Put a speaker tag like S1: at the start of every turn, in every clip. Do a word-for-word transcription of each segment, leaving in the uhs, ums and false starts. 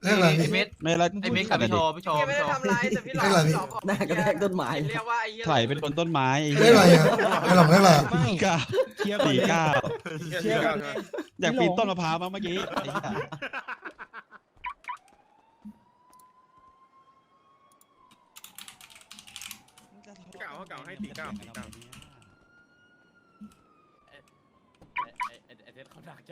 S1: เรียกอะไร
S2: ไอ
S1: พี่
S2: เม็ด
S3: ไม่ละ
S2: ไอเม็ดกับพี่โชว์พี่โชว์
S4: ไม่
S2: พี่
S4: ได้
S2: โชว์
S4: ทำร้ายแต่พี่หลอก
S1: เรียกอะไรพี่
S4: หลอกบอก
S5: หน้ากระแทกต้นไม้
S4: เรียกว่าไอ้เหี้ย
S3: ไถเป็นคนต้นไม้ไอ้
S1: เรียกอะไรอ่ะไอ้หลงเรียกอะไรอะ
S3: สี่เก้า
S6: เคลียร์
S3: สี่เก้า
S6: เคลียร์ก่อน
S3: อยากปีนต้นมะพร้าวมั้งเมื่อกี้ไอ้เหี้ย
S6: เก่าเก่าให้สี่เก้าสี่เก้า
S2: ไอไอไอเทสเขาหนักใจ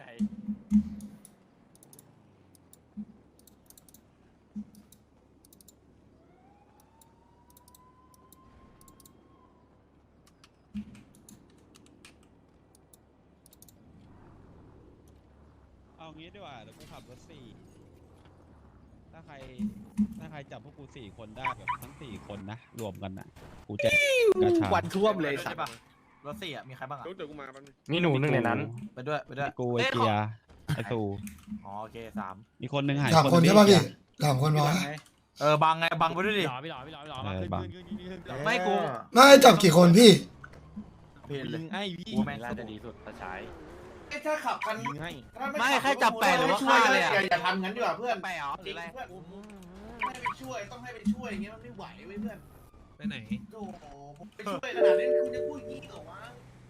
S3: เอางี้ดีกว่าเดี๋ยวกูขับรถสี่ถ้าใครถ้าใครจับพวกกูสี่คนได้แบบทั้งสี่คนนะรวมกันนะกูจะกระชา
S5: วันท่วมเลยสั
S2: ใช่
S5: ตว์
S2: ปะรถสี่อ่ะมีใครบ้างอ่ะ
S6: เดี๋ยวกูมาแป๊บนึง
S7: มีหนูหนึ่งในนั้น
S2: ไปด้วยไปด้วย
S3: กูไอเกียร์ไอตู
S2: อ๋อโอเคสาม
S3: มีคนหนึ่งหาย
S1: สามคน
S3: หง
S1: ใช่ป่ะพี่
S3: ไอ้เกียร์
S1: สามคนพอ
S2: เออบังไงบังไปด้วยดิ
S7: พี่หล่อพี่หล่อพี่หล่อพี่หล่อ
S3: เออบัง
S2: ไม่กู
S1: ไม่จับกี่คนพี่
S2: เพลนเลย
S6: ให้พี่
S2: กูแม่ง
S7: น่าจะดีสุดตาใช้
S8: ถ้าขับกัน
S6: ยิงให้
S2: ไม่แค่จับแปดหรือว่าฆ่าเลยอ่ะ
S8: อย่าอย่าทำงั้นดีกว่าเพื่อน
S2: แปดเหรอห
S8: จ
S2: รื
S8: ริ
S2: อง อะไร
S8: เพื่อนให้ไปช่วยต้องให้ไปช่วยอย่างเงี้ยมันไม่ไหวเว้ยเพื่อน
S6: ไปไหน
S8: โอ้โหผมไปช่วยขนาดนี้คุณจะพูดอย่างนี้เหรอวะ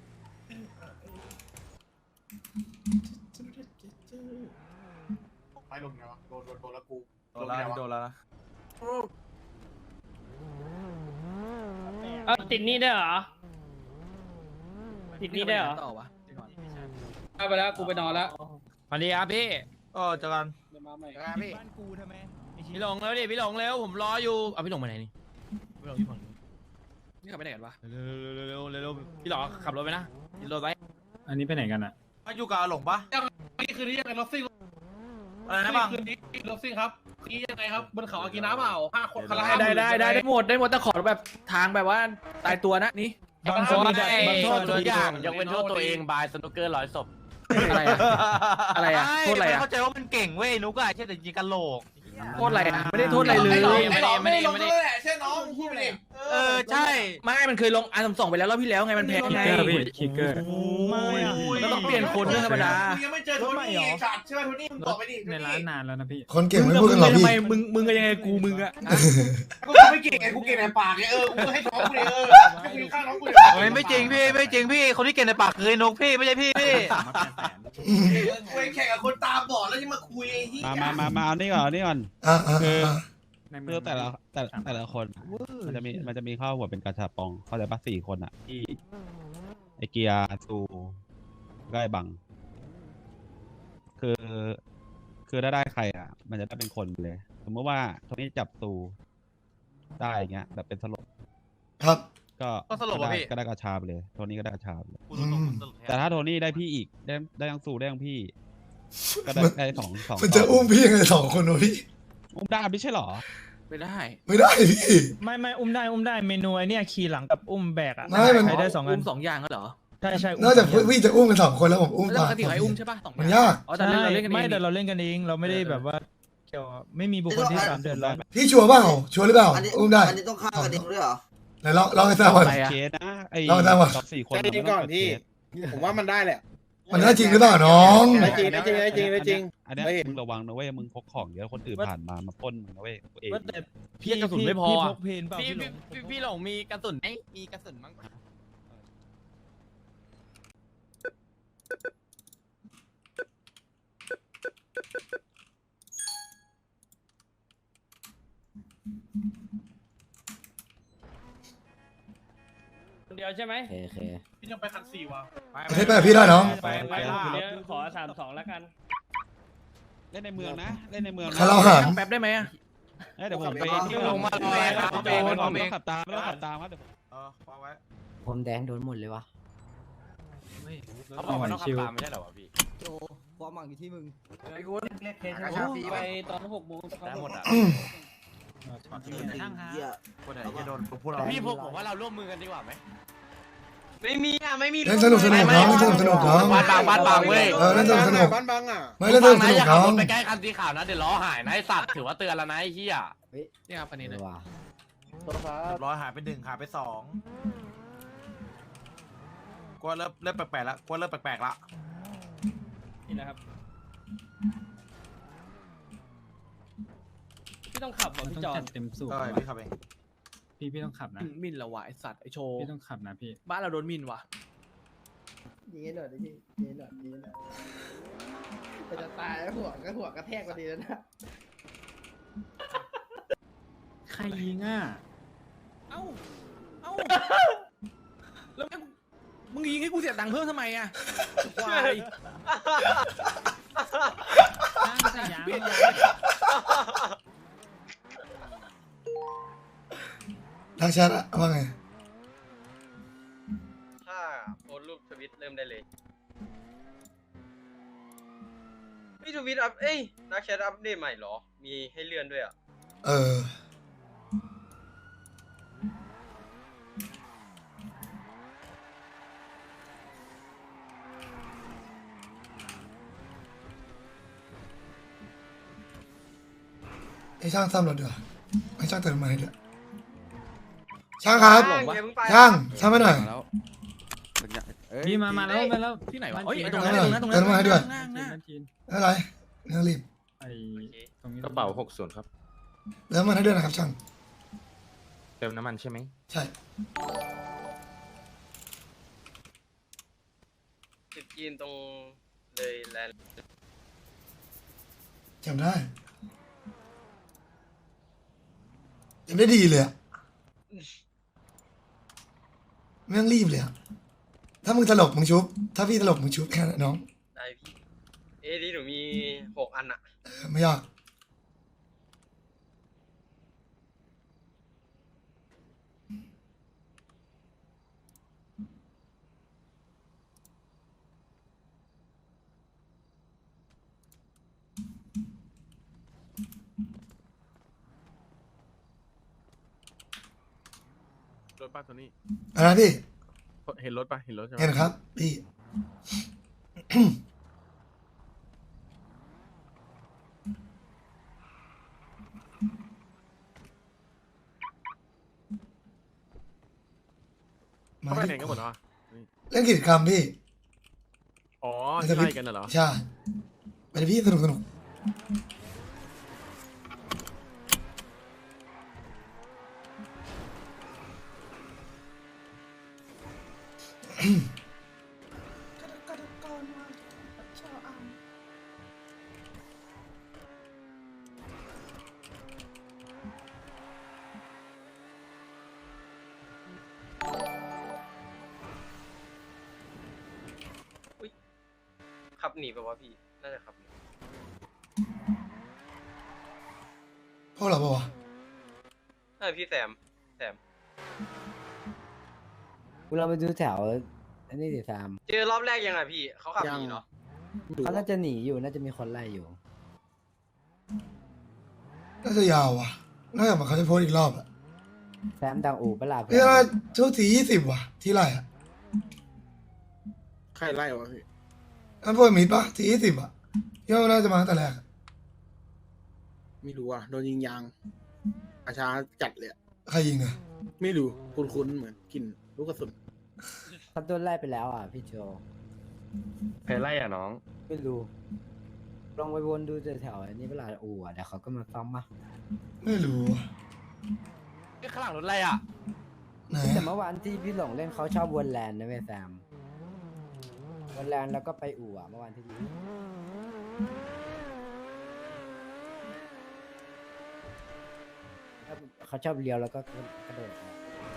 S8: ไปลงไงวะโดนโดนโดนแล้วกู
S2: โดนแล้วนี่โดนแล้วนะ
S7: เออติดนี่ได้เหรอ ติดนี่ได้เหรอ
S5: ต่อวะ
S7: ไปแล้วกูไปนอนแล้วสวัสดีครับพี่
S2: ก็เจอกัน
S5: พี่
S6: บ้านกูทำไม
S7: พี่หลงแล้วดิพี่หลงแล้วผมรออยู่เอาพี่หลงไปไหนนี่พี่หลงอยู่ฝั่งนู้นนี่ขับไปไหนกันวะเร็วเร็วเร็วเร็วพี่หลงขับรถไปนะยินรถไว้
S9: อันนี้ไปไหนกันอ่ะ
S2: มาอยู่กับอาหลงปะ
S8: นี่คืนนี้ยังไงรถซิ่ง
S2: อะไรนะบัง
S8: คืนนี้รถซิ่งครับนี่ยังไงครับบนเขาอากิน้ำเปล่าห้าคนคารา
S5: ได้ได้ได้ได้หมดได้หมดแต่ขอแบบทางแบบว่าตายตัวนะนี่
S6: บางคนมีแบบบางโทษ
S7: ตัวอย่างยกเว้นโทษตัวเองบายสนุกเกอร์ร้อยศพ
S5: อะไรอะอะไรอะโทษอะไรอะ
S2: เข้าใจว่ามันเก่งเว้ยนุกอะใช่แต่ยิงกันโหลก
S5: โทษอะไรอะไม่ได้โทษอะไรเลย
S8: ไม่หลอกไม่หลอกเลยแหละใช่น้องพูดไปดิ
S2: เออใช่
S5: ไม่มันเคยลงอันสองไปแล้วรอบที่แล้วไงมันแพ้ไง
S9: คิกเกอร์
S6: ไม่อะ
S5: ก็ต้องเปลี่ยนคนเรื่องธรรมดา
S8: มึงยังไม่เจอโทนี่ไงขาดใช่ไหมโทนี่มึงตอบไปดิ
S9: ในร้านนานแล้วนะพี่
S1: คนเก่ง
S5: มึง
S1: ไม่
S5: กับ
S1: พูด
S5: มึ
S1: กัน
S5: ง
S1: หรอก
S5: ทำ
S1: พี่
S5: ไมมึงมึงก็ยังไงกูมึงอะ
S8: กูไม่เก่งไงกูเก่งในปากไงเออกูให้น้องกูเลยเออให้กูฆ่าน้องกูเลย
S2: โอ้ยไม่จริงพี่ไม่จริงพี่คนที่เก่งในปากคือไอ้นุกพี่ไม่ใช่พี่พี่
S8: กูแข่งกับคนตาบอดแล้วยังมาคุยไอ้ที่
S3: มามามามาเอานี่ก่อนเอานี่ก่อน
S1: อ่าอ่าอ่า
S3: เพื่อแต่ละแต่แต่ละคนอะมันจะมีมันจะมีข้าวหัวเป็นกาชาปองเข้าใจปะสี่คนอ่ะที่ไอเกียร์ซูก็ไอบัง คือคือถ้าได้ใครอ่ะ มันจะได้เป็นคนเลย สมมติว่าโทนี่จับซูได้อย่างเงี้ยแบบเป็นสลบ
S1: ครับ
S3: ก็
S2: ก็สลบอ่ะ
S3: ได้
S2: พี่
S3: ก็ได้กระชาไปเลย โทนี่ก็ได้กระชาไปเลย
S2: กูรู้ตัวกูสลบแท
S3: แต่
S2: น
S3: ถ้าโทนี่ได้พี่อีกได้ได้ทั้งซูได้ทั้งพี่ ก็ได้ได้สองสอง
S1: มันจะอุ้มพี่ยังไงสองคนวะพี่
S3: อุ้มได้ไม่ใช่หรอ
S5: ไม่ได้
S1: ไม่ได้พี่
S6: ไม่ไม่อุ้มได้อุ้มได้เมนูไอเนี่ยขี่หลังกับอุ้มแบกอ่ะ
S1: ไม่มัน
S6: ใครได้สองอัน
S5: มสองอย่างก็เหรอ
S6: ใช่ใช่
S1: นอกจากพี่จะอุ้มกันสองคนแล้วผมอุ้ม
S5: แล้ว
S1: ตาม
S5: ปกติใครอุ้มใช่ป่ะสอง
S1: มันยาก
S5: อ๋อแต่
S6: ใช่
S5: เราเล่นกันเอง
S6: ไม่แต่เราเล่นกันเองเราไม่ได้แบบว่าเกี่ยวไม่มีบุคคลที่สามเดือดร้อน
S1: พี่ชัวร์เปล่าชัวร์หรือเปล่า
S4: อันนี้
S1: อุ้มได้
S4: อันนี้ต้องฆ่ากันเองด้วยเหรอ
S1: ไหนลองลองให้ทราบก่อน
S5: อะไรอะ
S3: เคสนะไอ้
S1: เราได้ปะ
S3: สองสี่คน
S6: ใจเย็นก่อนพี่ ผมว่ามันได้แหละ
S1: มันได้จริงหรือเปล่าน้อง
S6: ได้จริงได้จริงได้จริงได้จริง
S3: อันเนี้ย
S6: ไม่เห็น
S3: มึงระวังนะเว้ยมึงพกของเยอะคนอื่นผ่านมามาปล้นมึงนะเว้ยตัวเอง
S6: ว่าแต่
S7: พี่กระสุนไม่พอ
S6: พี่พ
S7: อะ
S6: กเพนเปล่า
S7: พี่
S6: พี่หล
S7: พี่
S6: ง
S7: พี่พี่หลงมีกระสุนไหมมีกระสุนมั้ง เดียวใช่ไหม
S5: โอเค
S8: พี่ยังไปคันสี่วะ
S1: ประเทศแปดพี่ได้น้อง
S3: ไปไปล่า
S7: เดี๋ยวขอสามสองแล้วกัน
S3: เล่นในเมืองนะเล่นในเมืองนะ
S1: คาราหาง
S5: แป๊บได้ไหมอะ
S3: เอ้ยเดี๋ยวผมไป
S2: พี่ลงมาลอยครับ
S3: ไม่
S2: โดน
S3: ต้องขับตามไม่ต้องขับตามครับเดี๋ยวผม
S2: เออวางไว้
S5: ผมแดงโดนหมดเลยวะ
S7: เขาบอกว่าต้องขับตามไม่ใช่เหรอวะพี่
S5: โจความหวังอยู่ที่มึง
S8: ไอ้กูเรียกเคสชาฟี
S7: ไปตอนหกโมงเขา
S2: ได้หมดอ่ะ
S4: เหี้ย
S2: คนไหนจะโดนพวกเรา
S7: พี่พวกผมว่าเราร่วมมือกันดีกว่าไหม
S2: ไม่มีอ่ะไม่มี
S1: เล่นสนุกสนุกน้องเล่นสนุกสนุกน้อง
S2: บ้านบางบ้านบางเว้ย
S1: เออเล่นสนุกสนุก
S6: บ้านบางอ่ะ
S1: ไม่เล่นสนุกสนุก
S7: อย่า
S1: น้
S7: ขับ
S1: อ
S7: รง ถไปใกล้คันสีขาวนะเดี๋ยวล้อหายนะไอสัตว์ถือว่าเตือนแล้วนะไอ้เหี้ยนี่ครับอันนี้เลย
S5: ว้า
S2: เรียบร้อยหายไปหนึ่งหายไปสองกลัวเริ่มเริ่มแปลกๆแล้วกลัวเริ่มแปลกๆละ
S7: นี่นะครับ
S5: ต้องขับเหรอ
S9: มัน
S5: พี่
S9: ต้อง
S5: จอ
S9: จั
S5: น
S9: ดเต็มสูบ
S2: ได้
S9: ว่ะ
S2: พี่ขับเอง
S9: พี่พี่ต้องขับนะ
S5: มินละวะไอสัตว์ไอโชว์
S9: พี่ต้องขับนะพี่
S5: บ้านเราโดนมินวะ
S4: ยิงให้หน่อยดิพี่ยิงให้หน่อยยิงให้หน่อยมันจะตายแล้วหัวก็หัวกระแทกพอดีแล้วนะ
S9: ใครยิงอ่ะ
S5: เอ้าเอ้าแล้วมึงมึงยิงให้กูเสียตังค์เพิ่มทำไมอะควาย
S9: นั่งใส่ยาง
S5: เปลี่ยนยาง
S1: ทักแชทอะว่าไง
S10: ถ้าโพสต์รูปทวิตเริ่มได้เลยพี่ทวิตอัพเอ้ยนักแชทอัปเดตใหม่เหรอ มีให้เลื่อนด้วยอ่ะ
S1: เออไอ้ช่างซ่อมรถดีกว่าให้ช่างเติมน้ำมันให้ด้วยช่างครับ
S10: ช่างอย่าเพิ่งไป
S1: ช่างช่างมาหน่อย
S9: พี่มามาแล้วมาแล้ว
S5: ที่ไหนวะ
S9: บ้
S5: เอ้ย
S9: จี
S5: ไอ้ตรงนั้นไอ้ตรงนั้นตรง
S1: เติ
S5: นั้
S1: ม
S5: น
S1: น้ำมันให้ด้วย
S5: นั่งนั่ง
S9: บ้านจีน
S1: ไม่เป็นไรไม่ต้องรีบ
S9: ไอ้ตรงนี้
S11: กระเป๋าหกส่วนครับ
S1: เติมน้ำมันให้ด้วยนะครับช่าง
S11: เติมน้ำมันใช่ไหม
S1: ใช่
S10: ติดจีนตรงเลยแลนด์
S1: จำได้จำได้ดีเลยอะไม่ต้องรีบเลยอะถ้ามึงตลกมึงชุบ ถ้าพี่ตลกมึงชุบแค่นั้นน้อง
S10: ได้พี่ เอ้ดีหนูมีหกอันอ่ะ
S1: เออไม่ยาก
S11: รถป้าตัวนี้
S1: อะไรพี่
S11: เห็นรถป่ะ เห็นรถใช่ไหม
S1: เห็นครับ พี่ มา
S11: เขาไปไหนกันหมดแล้วอะ
S1: เล่นกิจกรรมพี่
S11: อ๋อที่ไล่กันน่ะเหรอ
S1: ใช่ไปเลยพี่สนุกสนุก
S10: ขับหนีไปวะพี่ น่าจะขับหนี
S1: พวกเราปะวะ
S10: ใช่พี่แซม แซม
S4: เราไปดูแถวอันนี้ดิซาม
S10: เจอรอบแรกยังไงพี่ เขาขับหนีเหรอ
S4: เขาน่าจะหนีอยู่น่าจะมีคนไล่อยู่
S1: น่าจะยาวว่ะน่าจะมาเขาจะโพสต์อีกรอบอะ
S4: แซมดังอู่ปะลา
S1: พี่ว่าชุดสียี่สิบว่ะ ที่ไรอะ
S8: ใครไล่วะพี่
S1: อันพวกมีดปะสียี่สิบอะพี่ว่าน่าจะมาตั้งแต่แรกอะ
S8: ไม่รู้อ่ะโดนยิงยางอาชาจัดเลยอะ
S1: ใครยิงอะ
S8: ไม่รู้คุ้นๆเหมือนกลินลูกกระสุน
S4: เขาโดนไล่ไปแล้วอ่ะพี่โจ
S11: ใครไล่อ่ะน้อง
S4: ไม่รู้ลองไปวนดูแถวๆอันนี้เวลาอู่อ่ะเดี๋ยวเขาก็มาซ่อมมา
S1: ไม่รู้อะ
S5: ข้างหลังรถอะไรอ่ะ
S1: ไหน
S4: แต่
S1: อะ
S4: เมื่อวานที่พี่หลงเล่นเขาชอบวนแลนด์นะเว้ยแซมวนแลนด์แล้วก็ไปอู่อ่ะเมื่อวานที่ยิงเขาชอบเลี้ยวแล้วก็กระโดดออก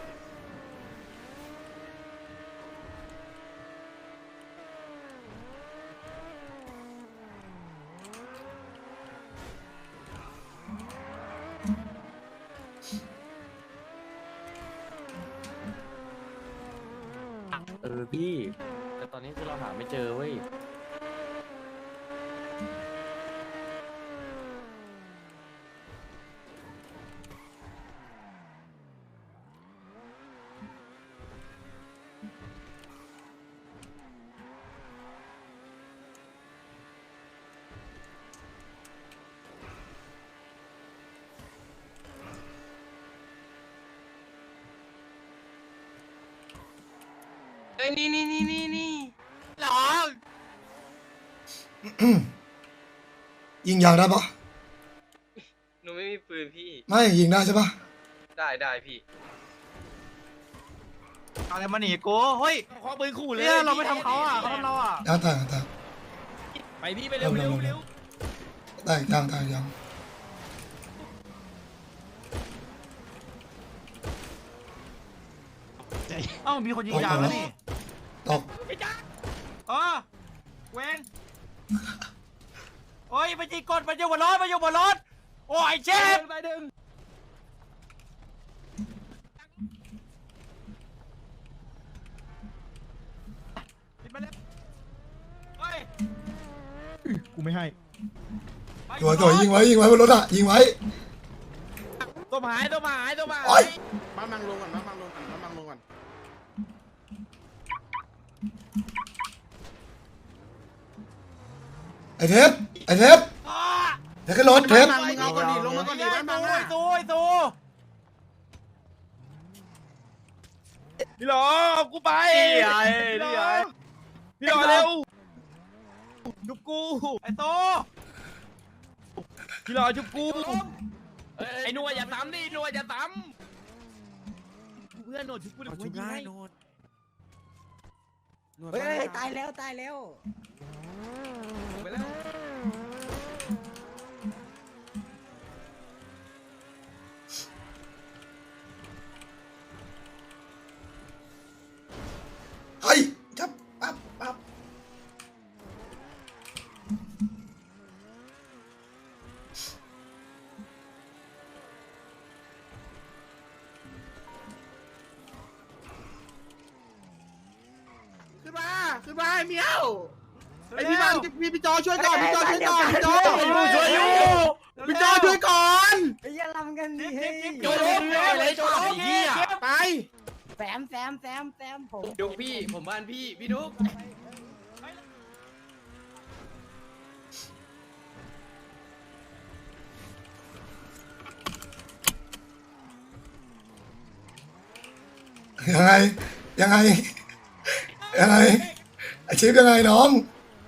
S11: เออพี่ แต่ตอนนี้คือเราหาไม่เจอเว้ย
S10: เอ้ยนี่นี่นี่นี่นี่หรอ
S1: ยิงยางได้ปะ
S10: หหนูไม่มีปืนพี่
S1: ไม่ยิงได้ใช่ปะ
S10: ได้ได้พี่
S2: อะไรมาหนีกูเฮ้ย
S7: ขอปืนขู่เลย
S2: เนี่ยเราไม่ทำเขาอ่ะเขาทำเราอ่ะ
S1: ย่างตายตาย
S7: ไปพี่ไปเร็วเร็วเร็ว
S1: ตายย่างตายย่าง
S2: เอ้ามีคนยิงยางแล้วนี่
S1: ตก
S2: เออเวนโอ้ยมันยิงกดมันอยู่บนรถมันอยู่บนรถโอ้ยเชฟ
S7: ไปดึง
S2: เฮ้ย
S6: กูไม่ให้
S1: ตัวตัวยิงไว้ยิงไว้บนรถอ่ะยิงไว้
S7: ตัวหายตัวหายตัวหาย
S1: โอ้ย
S8: มามังลงก่อนมามังลงก่อนมามังลงก่อน
S1: ไอเทปไอเทปเทปขึ้นรถเทป
S8: มังมึงเอาก่อนดิลงมาก่อนดิบ้านมัง
S2: ไอ้ตูไอ้ตู
S7: พี่หลอกูไป
S2: นี่ไงนี่ไง
S7: พี่หลอเร็วจุบกู
S2: ไอ้ตู
S7: พี่หลอจุบกูไอ้หนวดอย่าซ้ำดิหนวดอย่าซ้ำเพื่อนหนวดจุบกูเดี๋ยวกูยิงให้
S4: เฮ้ยตายแล้วตายแล้ว
S7: ไปแล้ว
S1: เฮ้ยจับปั๊บปั๊บ
S8: ขึ้นมาขึ้นมาเมียวไอพี่มังพี่พี่จอช่วยก่อนพี่จอช่วยก่อนพี่จอ
S7: ช่วยอยู่
S8: พี่จอช่วยก่อน
S4: ไอ้เหี้ยลำกันดิเฮ้ย
S7: โจโจเลยโจไอ้เหี้ย
S8: ไป
S4: แซมแซมแซมแซมผม
S10: ดุกพี่ ผมบ้านพี่ พี่ดุก
S1: ยังไงยังไงยังไงไอชิปยังไงน้อง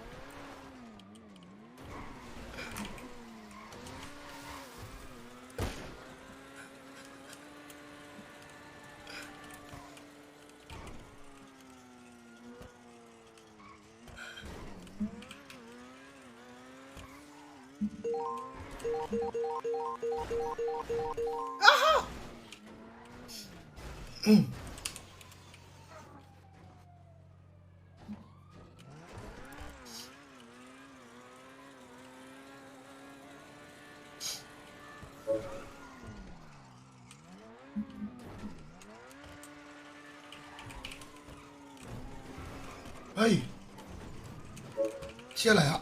S1: อืมเฮ้ยเชื่ออะไรอ่ะ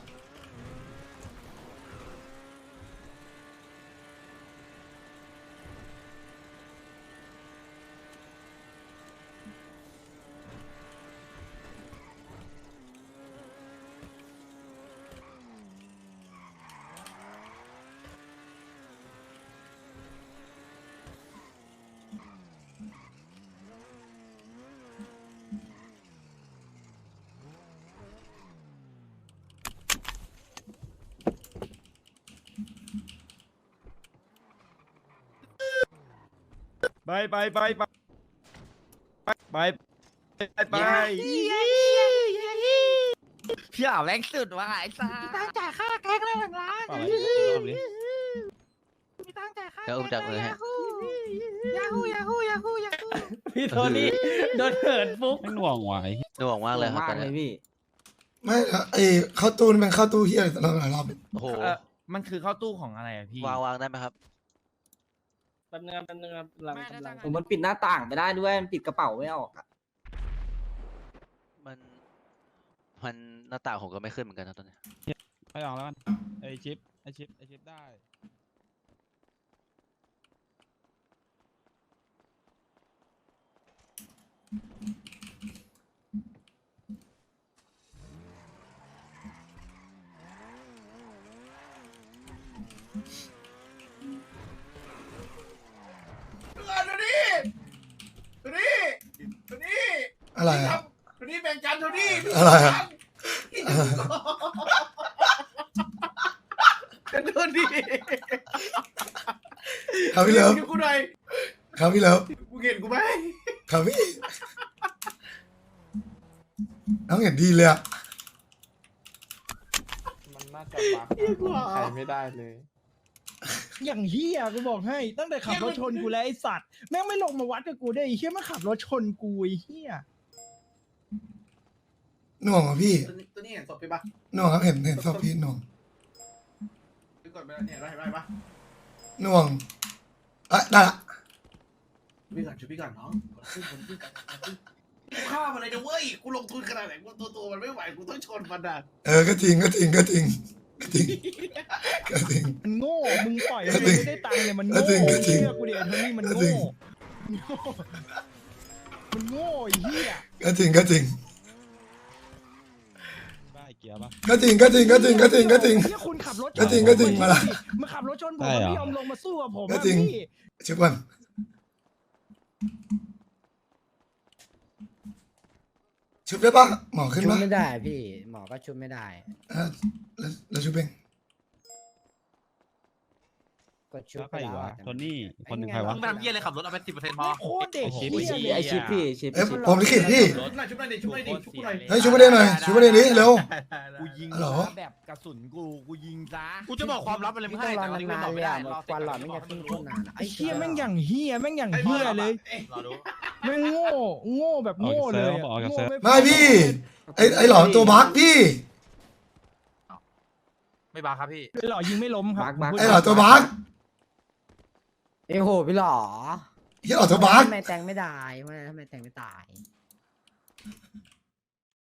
S7: ไปไปไปไปไปไปไป
S2: พี่อ่าวแรงสุดว่ะไอ้ซ่า
S4: ตั้งจ่ายค่าแก๊กเลยหนึ่งล้าน
S3: เปล่าอะไรรอบนี้
S4: มีตั้งจ่ายค่า
S2: เดี๋ยวอุ้มจับมือให้
S4: ยาฮูยาฮูยาฮูยาฮู
S9: พี่โทนี่โดนเหินฟุก
S3: ไม่หน่วงไหว
S2: หน่วงมากเลยครับตอนนี้
S1: ไม่นะไอเข้าตู้นี่มันเข้าตู้เฮียอะไรตั้งหลายรอบ
S2: โอ้โห
S7: เออมันคือเข้าตู้ของอะไรอะพี่
S2: วางวางได้ไหมครับ
S9: แป๊บนึงครับแป๊บนึงครับกำลัง
S7: ไม่
S9: กำลัง
S7: ได้
S9: ผมมันปิดหน้าต่างไปได้ด้วย มันปิดกระเป๋าไม่ออกอะ
S2: มัน มันหน้าต่างผมก็ไม่ขึ้นเหมือนกันนะตอนนี้
S3: ไปลองแล้วกันไอชิปไอชิปไอชิปได้
S8: ดูนี่ดูนี่ดูนี่
S1: อะไรอ่ะ
S8: ดูนี่แบ่งกันดูนี่
S1: อะไรอ่ะ
S8: ดูนี่
S1: ครับพี่เลิฟ
S8: ช่วยกูหน่อย
S1: ครับพี่เลิฟ
S8: กูเห็นกูไหม
S1: ครับพี่น้องเห็นดีเลยอะ
S6: มันน่าจะบักใครไม่ได้เลย อย่างเฮียกูบอกให้ ตั้งแต่ขับรถชนกูแล้วไอสัตว์แม่งไม่ลงมาวัดกับกูได้ไอ้เฮียมันขับรถชนกูไอ้เฮีย
S1: หน่วงเหรอพี่
S8: ตัวนี้ตัวนี้เห็นศพพี่ปะ
S1: หน่วงครับเห็นเห็นศพพี่หน่วง
S8: พี่กดไปแล้วเนี่ยได้ได้ปะ
S1: หน่วงเอ้ยได้ละ
S8: พี่ก่อนช่วยพี่ก่อนน้องกดขึ้นกดขึ้นกันกูฆ่ามันเลยนะเว้ยกูลงทุนขนาดไหนกูตัวตัวมันไม่ไหวกูต้องชนมันอ่ะ
S1: เออก็จริงก็จริงก็จริงก็จริงก็จริง
S6: มันโง่มึงปล่อย
S1: ก็
S6: มัน
S1: จริง
S6: ไม่ได้ตังค์เลยมัน
S1: ก็
S6: โง่
S1: จริงก็จริง
S6: เชื่อกูดิไอ้โทนี่มัน
S1: ก็
S6: โง่
S1: จริง
S6: มันโง่ไอ้เฮีย
S1: ก็จริงก็จริง
S3: บ้าไอ้เกียร์ปะ
S1: ก็จริงก็จริงก็จริงก็จริงก็จริง
S6: เฮียคุณขับรถชน
S1: ก็จริงก็จริงมาละ
S6: มาขับรถชนผม
S3: ได้เหรอ
S6: ไม่ยอมลงมาสู้กับผม
S1: ก็
S6: อะ
S1: จริง
S6: พี่
S1: ชุบก่อนชุบได้ปะหมอขึ้น
S9: ชุบ
S1: ปะ
S9: ไม่ได้พี่หมอก็ชุบไม่ได้
S1: เออแล้วแล้วชุบเอง
S9: ก็ชุบ
S3: แล้วใค
S9: ไป
S3: รอีก
S9: แล้ว
S3: วะ
S9: อะ
S3: โทนี่อีกคนหนึ่งใครวะ
S7: มึงทำเหี้ยอะไรขับรถเอาไปสิบเปอร์เซ็นต์พอ
S6: โคตรเด็ก
S3: โอ้โห
S6: เหี้ย
S9: ไอชิปพี่ชิป
S1: เอ้ยผมลิขิตพี่
S8: ชุบหน่อยชุบหน่อยดิชุบหน่อยดิชุบกูหน่อย
S1: เฮ้ยชุบประเด็นหน่อยชุบประเด็นนี้เร็ว
S7: กูยิง
S1: ฮัลโหล
S7: แบบกระสุนกูกูยิงซะกูจะบอกความลับอะไร
S9: ไม่
S7: ไม่
S9: ต้อ
S7: ให้
S9: งรอ
S7: แต่วันนี้
S9: นาน
S7: ไม่
S9: ๆ
S7: บอก
S9: เลย
S7: ไม่ได้
S9: อะ
S7: รอ
S9: ควันหลอดไม่งั้นขึ้นขึ้นนานอะ
S6: ไอ้เฮียแม่งอย่างเฮียแม่งอย่างเฮียเลย
S7: รอดู
S6: แม่งโง่โง่แบบโง่เลยอะ
S3: ออกจากเซิร์ฟ
S6: โง่
S1: ไม่พี่ไอไอหลอนตัวบั๊กพี่
S7: ไม่บาครับพี่
S6: หล่อยิงไม่ล้มครับ
S9: บัก
S1: ไอหลอนตัวบั๊ก
S9: เอ้ยโหพี่หล่อ
S1: ไอหลอนตัวบั๊ก
S9: ทำไมแตงไม่ได้ทำไมทำไมแตงไม่ตาย